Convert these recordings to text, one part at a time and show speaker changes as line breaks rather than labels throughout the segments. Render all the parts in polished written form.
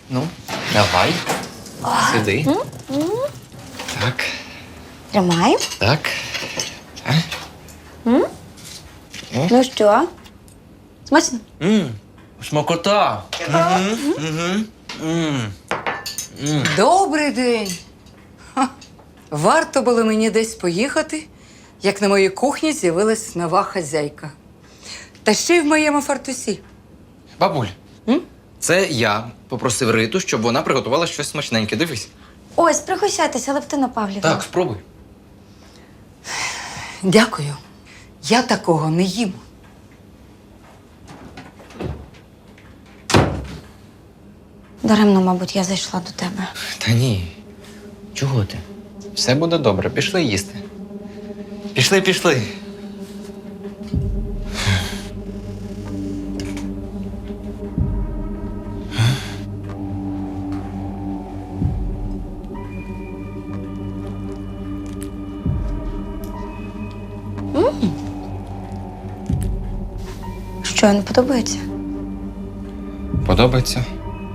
Ну, давай. Сиди. Так.
Тримай.
Так.
Ну що? Смачно?
Смакота.
Добрий день. Ха. Варто було мені десь поїхати, як на моїй кухні з'явилась нова хазяйка. Та ще й в моєму фартусі.
Бабуль, це я попросив Риту, щоб вона приготувала щось смачненьке. Дивись.
Ось, пригощайтеся, Левтина Павлівна.
Так, спробуй.
Дякую. Я такого не їм.
Даремно, мабуть, я зайшла до тебе.
Та ні. Чого ти? Все буде добре. Пішли їсти. Пішли.
Що, не подобається?
Подобається?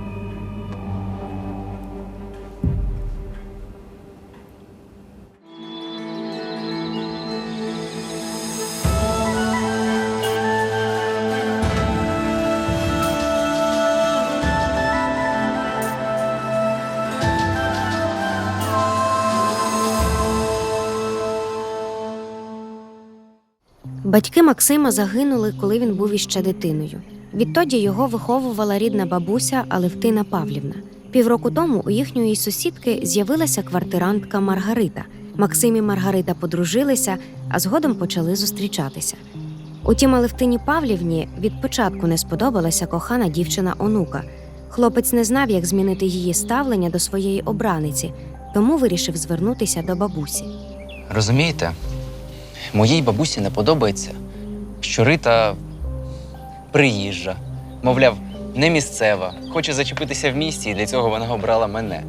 Батьки Максима загинули, коли він був іще дитиною. Відтоді його виховувала рідна бабуся Алевтина Павлівна. Півроку тому у їхньої сусідки з'явилася квартирантка Маргарита. Максим і Маргарита подружилися, а згодом почали зустрічатися. Утім, Алевтині Павлівні від початку не сподобалася кохана дівчина-онука. Хлопець не знав, як змінити її ставлення до своєї обраниці, тому вирішив звернутися до бабусі.
Розумієте, моїй бабусі не подобається, що Рита приїжджа. Мовляв, не місцева, хоче зачепитися в місті, і для цього вона обрала мене.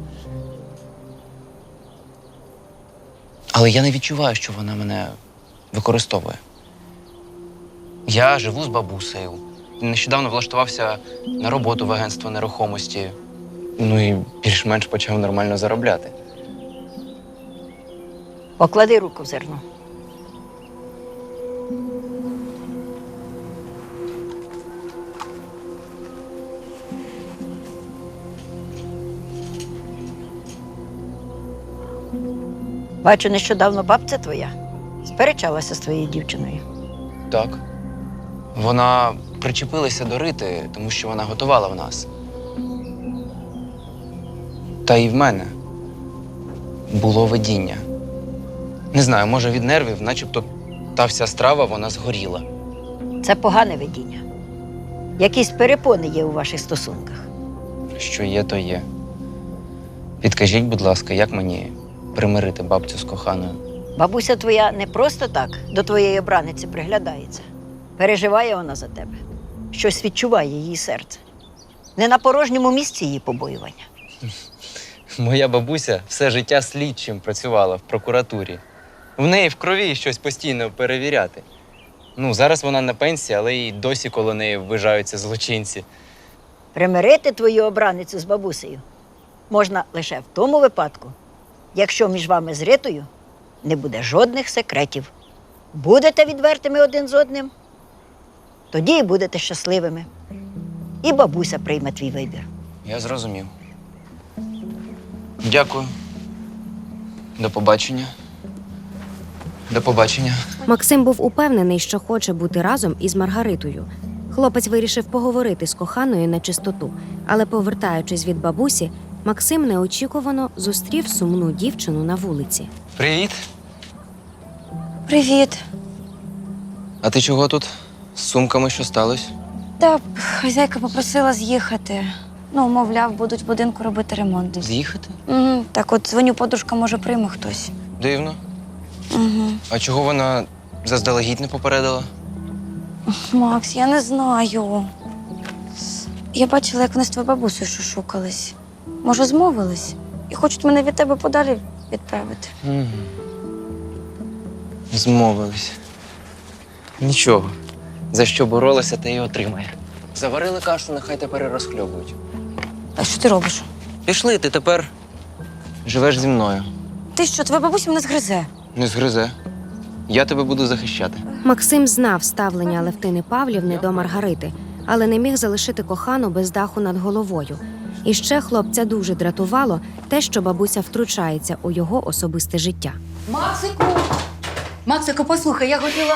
Але я не відчуваю, що вона мене використовує. Я живу з бабусею. Нещодавно влаштувався на роботу в агентство нерухомості. Ну і більш-менш почав нормально заробляти.
Поклади руку в зерно. Бачу, нещодавно бабця твоя сперечалася з твоєю дівчиною.
Так. Вона причепилася до Рити, тому що вона готувала в нас. Та і в мене було видіння. Не знаю, може від нервів, начебто та вся страва, вона згоріла.
Це погане видіння. Якісь перепони є у ваших стосунках.
Що є, то є. Підкажіть, будь ласка, як мені примирити бабцю з коханою?
Бабуся твоя не просто так до твоєї обраниці приглядається. Переживає вона за тебе. Щось відчуває її серце. Не на порожньому місці її побоювання.
Моя бабуся все життя слідчим працювала в прокуратурі. В неї в крові щось постійно перевіряти. Ну, зараз вона на пенсії, але й досі коло неї ввижаються злочинці.
Примирити твою обраницю з бабусею можна лише в тому випадку, якщо між вами з Ритою не буде жодних секретів. Будете відвертими один з одним, тоді і будете щасливими. І бабуся прийме твій вибір.
Я зрозумів. Дякую. До побачення. До побачення.
Максим був упевнений, що хоче бути разом із Маргаритою. Хлопець вирішив поговорити з коханою на чистоту, але, повертаючись від бабусі, Максим неочікувано зустрів сумну дівчину на вулиці.
Привіт.
Привіт.
А ти чого тут? З сумками що сталося?
Та хазяйка попросила з'їхати. Ну, мовляв, будуть в будинку робити ремонт.
З'їхати?
Угу. Так от дзвоню, подружка, може, прийме хтось.
Дивно.
Угу.
А чого вона заздалегідь не попередила?
Макс, я не знаю. Я бачила, як вони з твоєю бабусею шушукались. Може, змовились? І хочуть мене від тебе подалі відправити.
Угу. Змовились. Нічого. За що боролася, те й отримає. Заварили кашу, нехай тепер і розхльобують.
А що ти робиш?
Пішли, ти тепер живеш зі мною.
Ти що, твоя бабуся мене згризе?
Не згризе. Я тебе буду захищати.
Максим знав ставлення Алевтини Павлівни до Маргарити, але не міг залишити кохану без даху над головою. І ще хлопця дуже дратувало те, що бабуся втручається у його особисте життя.
Максику! Максику, послухай, я хотіла.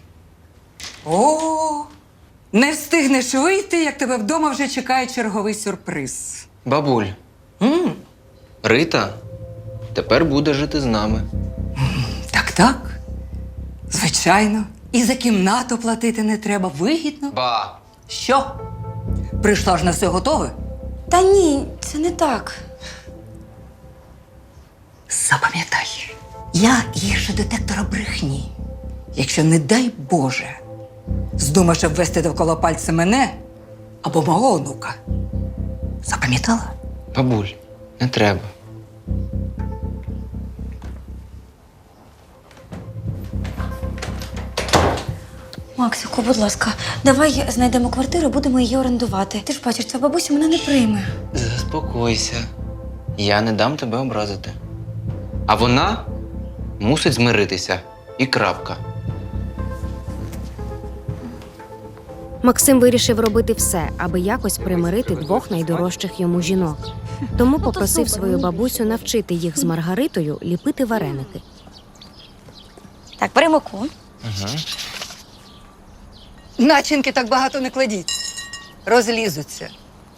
О, не встигнеш вийти, як тебе вдома вже чекає черговий сюрприз.
Бабуль, Рита тепер буде жити з нами.
Так. Звичайно. І за кімнату платити не треба. Вигідно.
Ба!
Що? Прийшла ж на все готове?
Та ні, це не так.
Запам'ятай, я гірше детектора брехні. Якщо, не дай Боже, здумаєш обвести довкола пальця мене або мого онука. Запам'ятала?
Бабуль, не треба.
Максику, будь ласка, давай знайдемо квартиру, будемо її орендувати. Ти ж бачиш, ця бабуся мене не прийме.
Заспокойся. Я не дам тебе образити. А вона мусить змиритися. І крапка.
Максим вирішив робити все, аби якось примирити двох найдорожчих йому жінок. Тому попросив свою бабусю навчити їх з Маргаритою ліпити вареники.
Так, бери муку.
Угу.
Начинки так багато не кладіть. Розлізуться.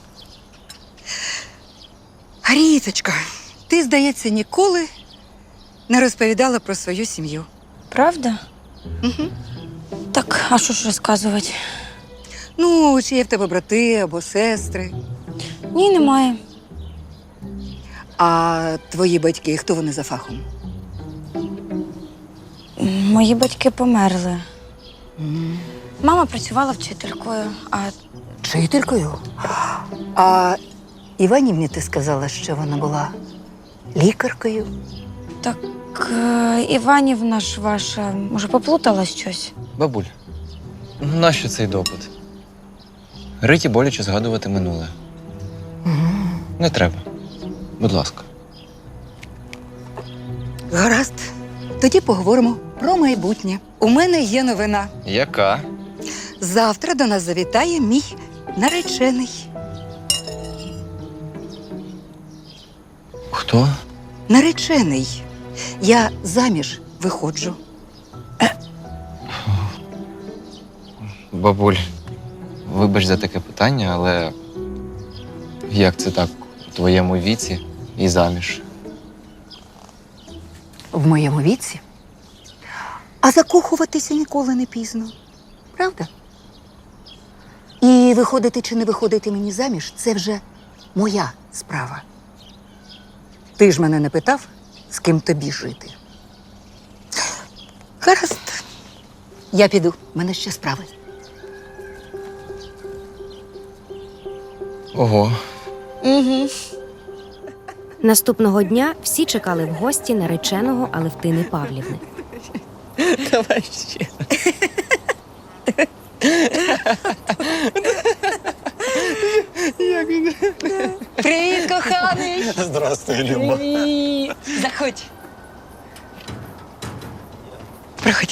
Ріточка, ти, здається, ніколи не розповідала про свою сім'ю.
Правда?
Угу.
Так, а що ж розказувати?
Ну, чи є в тебе брати або сестри?
Ні, немає.
А твої батьки, хто вони за фахом?
Мої батьки померли. Мама працювала вчителькою, а
Вчителькою? А Іванівні ти сказала, що вона була лікаркою?
так Іванівна ж ваша, може, поплутала щось?
Бабуль, нащо цей допит? Риті боляче згадувати минуле. Не треба. Будь ласка.
Гаразд. Тоді поговоримо про майбутнє. У мене є новина.
Яка?
Завтра до нас завітає мій наречений.
Хто?
Наречений. Я заміж виходжу.
Бабуль, вибач за таке питання, але як це так у твоєму віці і заміж?
В моєму віці. А закохуватися ніколи не пізно. Правда? І виходити чи не виходити мені заміж – це вже моя справа. Ти ж мене не питав, з ким тобі жити. Гаразд. Я піду, в мене ще справи.
Ого.
Угу.
Наступного дня всі чекали в гості нареченого Алевтини Павлівни.
Давай ще.
Привіт, коханий!
Здравствуй, Люба.
Привіт! Заходь. Проходь.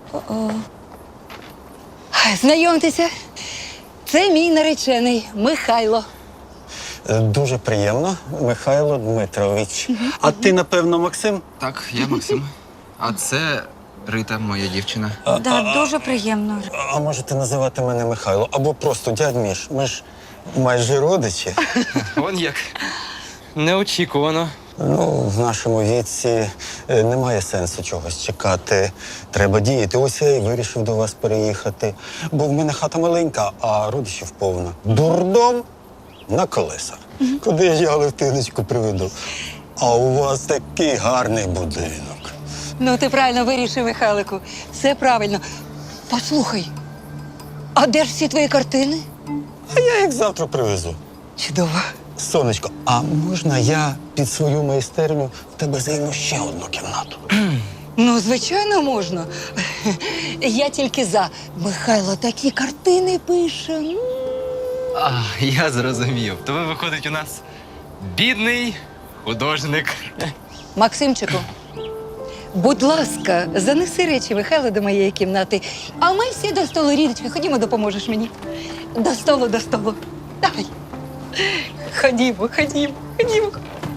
Знайомтеся, це мій наречений Михайло.
Дуже приємно, Михайло Дмитрович. А ти, напевно, Максим?
Так, я Максим. А це Рита, моя дівчина.
Да, дуже приємно.
А можете називати мене Михайло? Або просто дядь Міш. Ми ж майже родичі.
Вон як. Неочікувано.
Ну, в нашому віці немає сенсу чогось чекати. Треба діяти. Ось я і вирішив до вас переїхати. Бо в мене хата маленька, а родичів повно. Дурдом на колесах. Куди я Левтиночку приведу? А у вас такий гарний будинок.
Ну, ти правильно вирішив, Михайлику. Все правильно. Послухай, а де ж всі твої картини?
А я їх завтра привезу.
Чудово.
Сонечко, а можна я під свою майстерню в тебе займу ще одну кімнату?
Ну, звичайно, можна. Я тільки за. Михайло такі картини пише.
А, я зрозумів. То ви, виходить, у нас бідний художник.
Максимчику, будь ласка, занеси речі Михайла до моєї кімнати, а ми всі до столу, Рідочка, ходімо, допоможеш мені. До столу, до столу. Давай. Ходімо, ходімо, ходімо.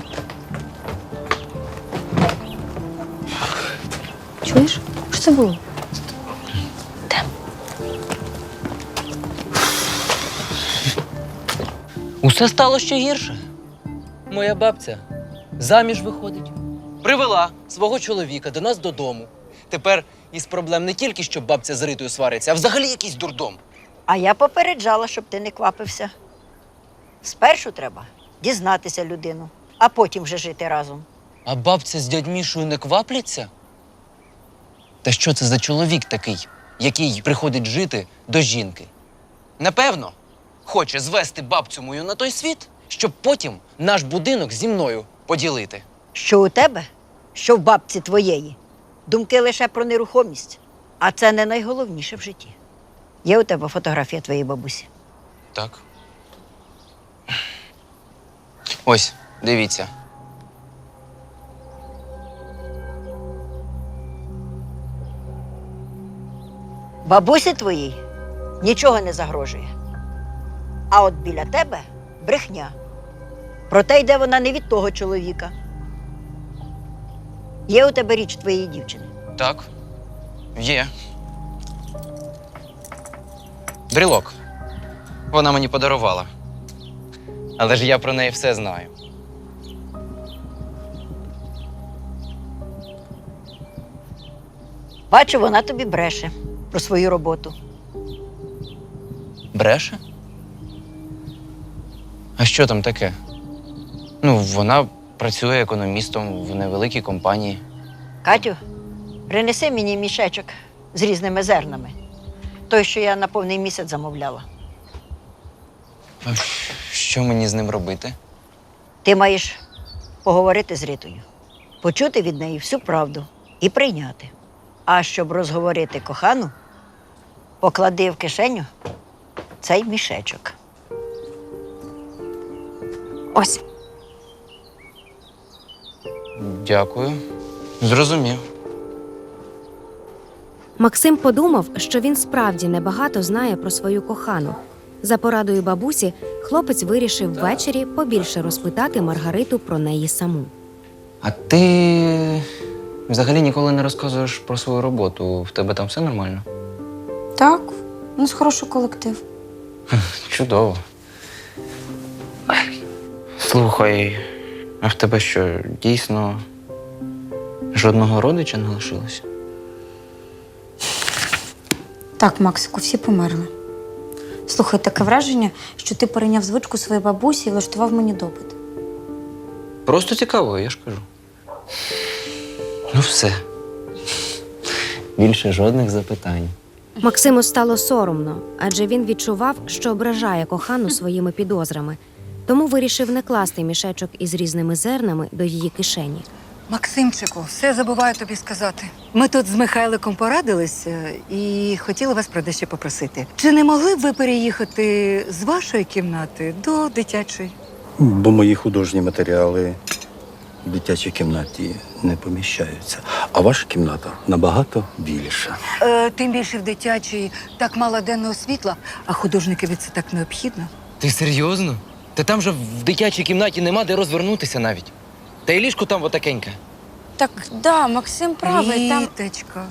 Чуєш? Що це було?
Усе стало ще гірше. Моя бабця заміж виходить. Привела свого чоловіка до нас додому. Тепер із проблем не тільки, що бабця з Ритою свариться, а взагалі якийсь дурдом.
А я попереджала, щоб ти не квапився. Спершу треба дізнатися людину, а потім вже жити разом.
А бабця з дядь Мішою не квапляться? Та що це за чоловік такий, який приходить жити до жінки? Напевно, хоче звести бабцю мою на той світ, щоб потім наш будинок зі мною поділити.
Що у тебе, що в бабці твоєї, думки лише про нерухомість. А це не найголовніше в житті. Є у тебе фотографія твоєї бабусі?
Так. Ось, дивіться.
Бабусі твоїй нічого не загрожує. А от біля тебе брехня. Проте йде вона не від того чоловіка. Є у тебе річ твоєї дівчини?
Так. Є. Брілок. Вона мені подарувала. Але ж я про неї все знаю.
Бачу, вона тобі бреше про свою роботу.
Бреше? А що там таке? Ну, вона працює економістом в невеликій компанії.
Катю, принеси мені мішечок з різними зернами. Той, що я на повний місяць замовляла.
А що мені з ним робити?
Ти маєш поговорити з Ритою, почути від неї всю правду і прийняти. А щоб розговорити кохану, поклади в кишеню цей мішечок.
Ось.
Дякую. Зрозумів.
Максим подумав, що він справді небагато знає про свою кохану. За порадою бабусі, хлопець вирішив ввечері побільше розпитати Маргариту про неї саму.
А ти взагалі ніколи не розказуєш про свою роботу. В тебе там все нормально?
Так, у нас хороший колектив.
Чудово. Слухай, а в тебе що, дійсно жодного родича не лишилося?
Так, Максику, всі померли. Слухай, таке враження, що ти перейняв звичку своєї бабусі і влаштував мені допит.
Просто цікаво, я ж кажу. Ну все. Більше жодних запитань.
Максиму стало соромно, адже він відчував, що ображає кохану своїми підозрами. Тому вирішив не класти мішечок із різними зернами до її кишені.
Максимчику, все забуваю тобі сказати. Ми тут з Михайликом порадилися і хотіли вас про дещо попросити. Чи не могли б ви переїхати з вашої кімнати до дитячої?
Бо мої художні матеріали в дитячій кімнаті не поміщаються. А ваша кімната набагато більша.
Тим більше в дитячій так мало денного світла, а художникові це так необхідно.
Ти серйозно? Та там же в дитячій кімнаті нема де розвернутися навіть. Та й ліжко там отакеньке.
Так, да, Максим правий, там...
Ріточка.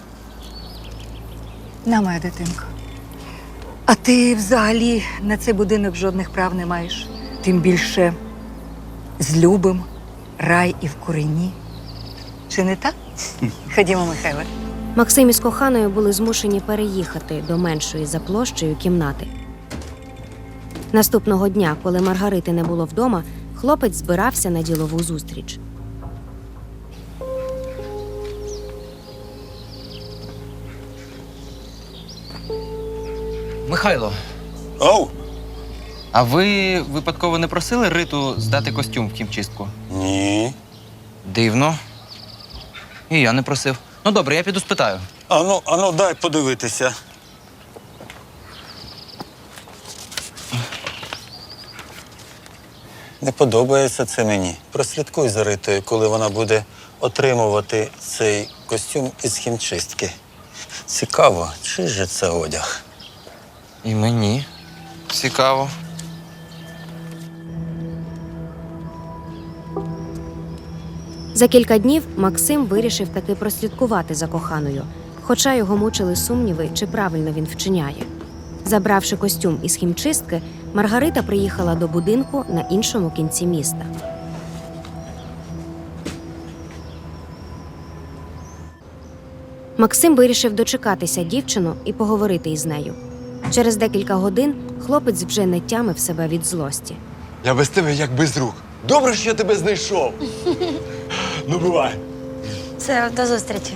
На моя дитинка. А ти взагалі на цей будинок жодних прав не маєш. Тим більше з любим, рай і в курені. Чи не так? Ходімо, Михайле.
Максим із коханою були змушені переїхати до меншої за площею кімнати. Наступного дня, коли Маргарити не було вдома, хлопець збирався на ділову зустріч.
Михайло,
Оу!
а ви випадково не просили Риту здати костюм в хімчистку?
Ні.
Дивно. І я не просив. Ну добре, я піду спитаю.
Ану, дай подивитися. Не подобається це мені. Прослідкуй за Ритою, коли вона буде отримувати цей костюм із хімчистки. Цікаво, чий же це одяг?
І мені цікаво.
За кілька днів Максим вирішив таки прослідкувати за коханою, хоча його мучили сумніви, чи правильно він вчиняє. Забравши костюм із хімчистки, Маргарита приїхала до будинку на іншому кінці міста. Максим вирішив дочекатися дівчину і поговорити із нею. Через декілька годин хлопець вже не тямив себе від злості.
Я без тебе як без рук. Добре, що я тебе знайшов. Ну, бувай.
Все, до зустрічі.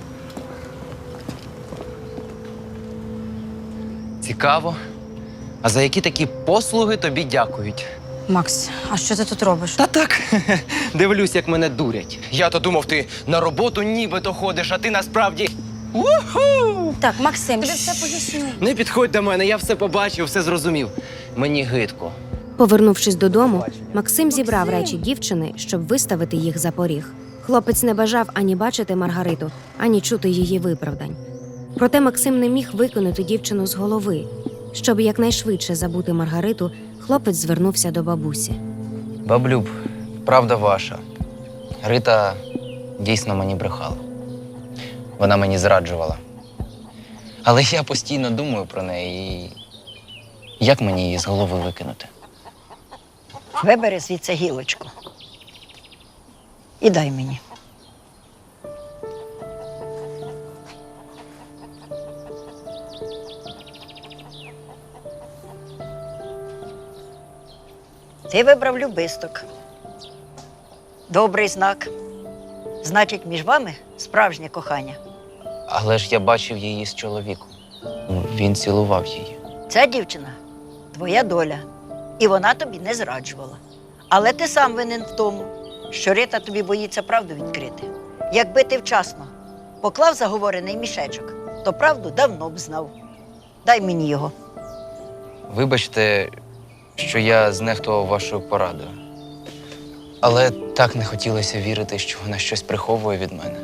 Цікаво. А за які такі послуги тобі дякують?
Макс, а що ти тут робиш?
Та так, дивлюсь, як мене дурять. Я-то думав, ти на роботу нібито ходиш, а ти насправді. Уху!
Так, Максим, тобі все поясню.
Не підходь до мене, я все побачив, все зрозумів. Мені гидко.
Повернувшись додому, Максим зібрав речі дівчини, щоб виставити їх за поріг. Хлопець не бажав ані бачити Маргариту, ані чути її виправдань. Проте Максим не міг викинути дівчину з голови. Щоб якнайшвидше забути Маргариту, хлопець звернувся до бабусі.
Баблюб, правда ваша. Рита дійсно мені брехала. Вона мені зраджувала. Але я постійно думаю про неї і як мені її з голови викинути?
Вибери звідси гілочку. І дай мені. Ти вибрав любисток. Добрий знак. Значить, між вами справжнє кохання.
Але ж я бачив її з чоловіком. Він цілував її.
Ця дівчина твоя доля, і вона тобі не зраджувала. Але ти сам винен в тому, що Рита тобі боїться правду відкрити. Якби ти вчасно поклав заговорений мішечок, то правду давно б знав. Дай мені його.
Вибачте, що я знехтував вашою порадою. Але так не хотілося вірити, що вона щось приховує від мене.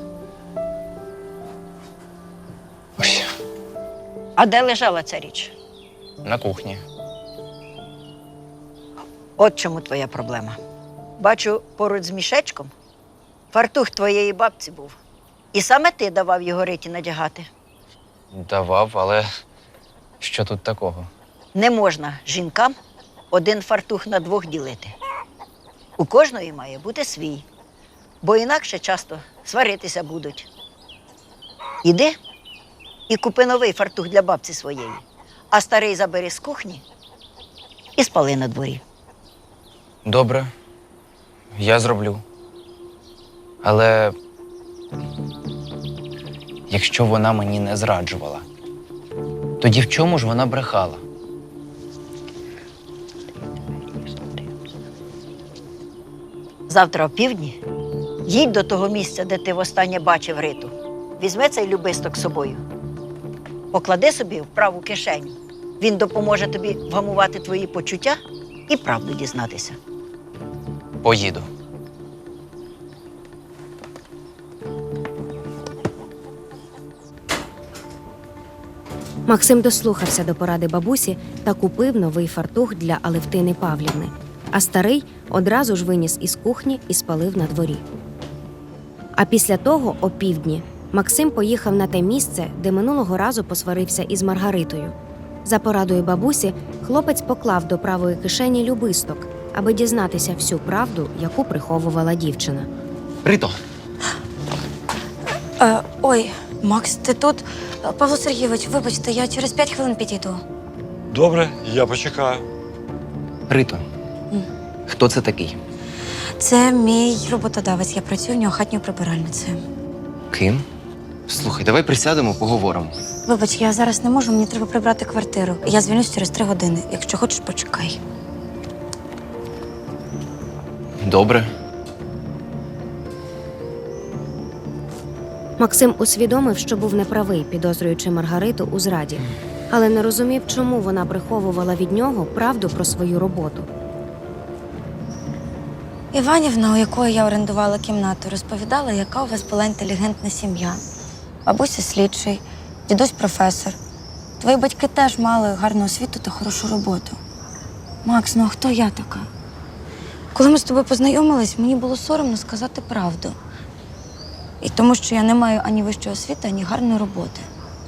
Ось,
А де лежала ця річ?
на кухні.
От чому твоя проблема. Бачу, поруч з мішечком фартух твоєї бабці був. І саме ти давав його Риті надягати.
Давав, але що тут такого?
Не можна жінкам один фартух на двох ділити. У кожної має бути свій, бо інакше часто сваритися будуть. Іди і купи новий фартух для бабці своєї, а старий забери з кухні і спали на дворі.
Добре, я зроблю. Але якщо вона мені не зраджувала, тоді в чому ж вона брехала?
Завтра опівдні їдь до того місця, де ти востаннє бачив Риту. Візьми цей любисток з собою. Поклади собі в праву кишеню. Він допоможе тобі вгамувати твої почуття і правду дізнатися.
Поїду.
Максим дослухався до поради бабусі та купив новий фартух для Алевтини Павлівни, а старий одразу ж виніс із кухні і спалив на дворі. А після того, опівдні, Максим поїхав на те місце, де минулого разу посварився із Маргаритою. За порадою бабусі, хлопець поклав до правої кишені любисток, аби дізнатися всю правду, яку приховувала дівчина.
Рито,
Ой, Макс, ти тут? Павло Сергійович, вибачте, я через 5 хвилин підійду.
Добре, я почекаю.
Рито, хто це такий?
Це мій роботодавець, я працюю в нього хатньою прибиральницею.
Ким? Слухай, давай присядемо, поговоримо.
Вибач, я зараз не можу, мені треба прибрати квартиру. Я звільнюсь через 3 години. Якщо хочеш, почекай.
Добре.
Максим усвідомив, що був неправий, підозрюючи Маргариту у зраді, але не розумів, чому вона приховувала від нього правду про свою роботу.
Іванівна, у якої я орендувала кімнату, розповідала, яка у вас була інтелігентна сім'я. Бабуся слідчий, дідусь професор. Твої батьки теж мали гарну освіту та хорошу роботу. Макс, ну а хто я така? Коли ми з тобою познайомились, мені було соромно сказати правду. І тому, що я не маю ані вищої освіти, ані гарної роботи.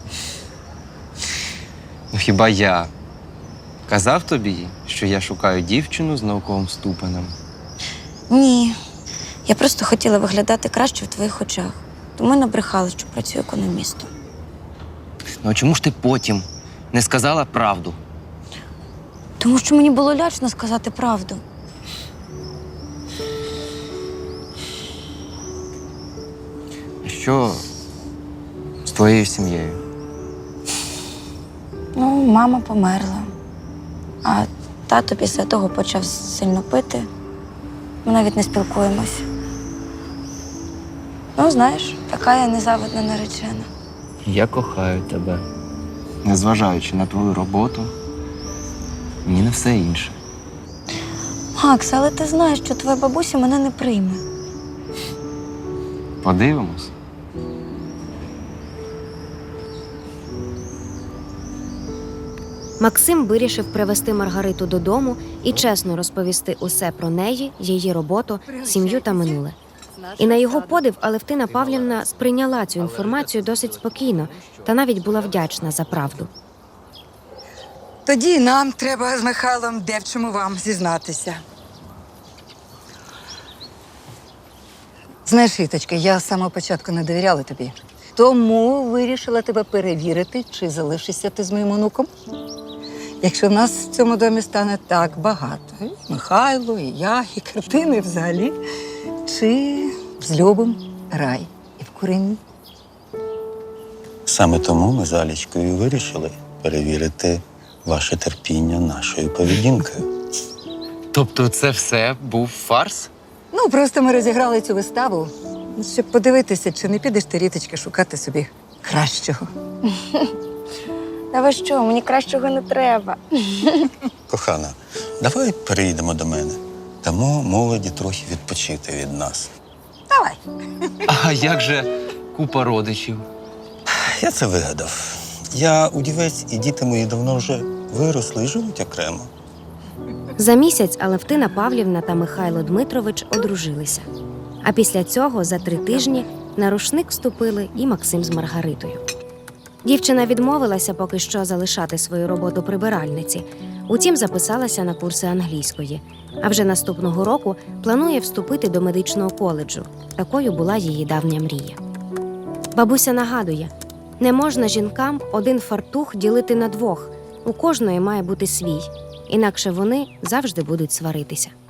Ну хіба я казав тобі, що я шукаю дівчину з науковим ступенем?
Ні. Я просто хотіла виглядати краще в твоїх очах. Тому й набрехала, що працюю економістом.
Ну а чому ж ти потім не сказала правду?
Тому що мені було лячно сказати правду.
Що з твоєю сім'єю?
Ну, мама померла. А тато після того почав сильно пити. Ми навіть не спілкуємось. Ну, знаєш, така я незавидна наречена.
Я кохаю тебе. Незважаючи на твою роботу і на все інше.
Макс, але ти знаєш, що твоя бабуся мене не прийме.
Подивимось.
Максим вирішив привезти Маргариту додому і чесно розповісти усе про неї, її роботу, сім'ю та минуле. І на його подив Алевтина Павлівна сприйняла цю інформацію досить спокійно та навіть була вдячна за правду.
Тоді нам треба з Михайлом де в чому вам зізнатися.
Знаєш, Віточка, я з самого початку не довіряла тобі. Тому вирішила тебе перевірити, чи залишишся ти з моїм онуком. Якщо нас в цьому домі стане так багато, і Михайло, і я, і картини взагалі, чи злюбим рай і в куренні.
Саме тому ми з Алічкою вирішили перевірити ваше терпіння нашою поведінкою.
Тобто це все був фарс?
Ну, просто ми розіграли цю виставу, щоб подивитися, чи не підеш ти, Ріточка, шукати собі кращого.
Та ви що, мені кращого не треба.
Кохана, давай переїдемо до мене. Дамо молоді трохи відпочити від нас.
Давай.
А як же купа родичів?
Я це вигадав. Я удівець, і діти мої давно вже виросли і живуть окремо.
За місяць Алевтина Павлівна та Михайло Дмитрович одружилися. А після цього за 3 тижні на рушник вступили і Максим з Маргаритою. Дівчина відмовилася поки що залишати свою роботу прибиральниці. Утім, записалася на курси англійської. А вже наступного року планує вступити до медичного коледжу. Такою була її давня мрія. Бабуся нагадує, не можна жінкам один фартух ділити на 2. У кожної має бути свій. Інакше вони завжди будуть сваритися.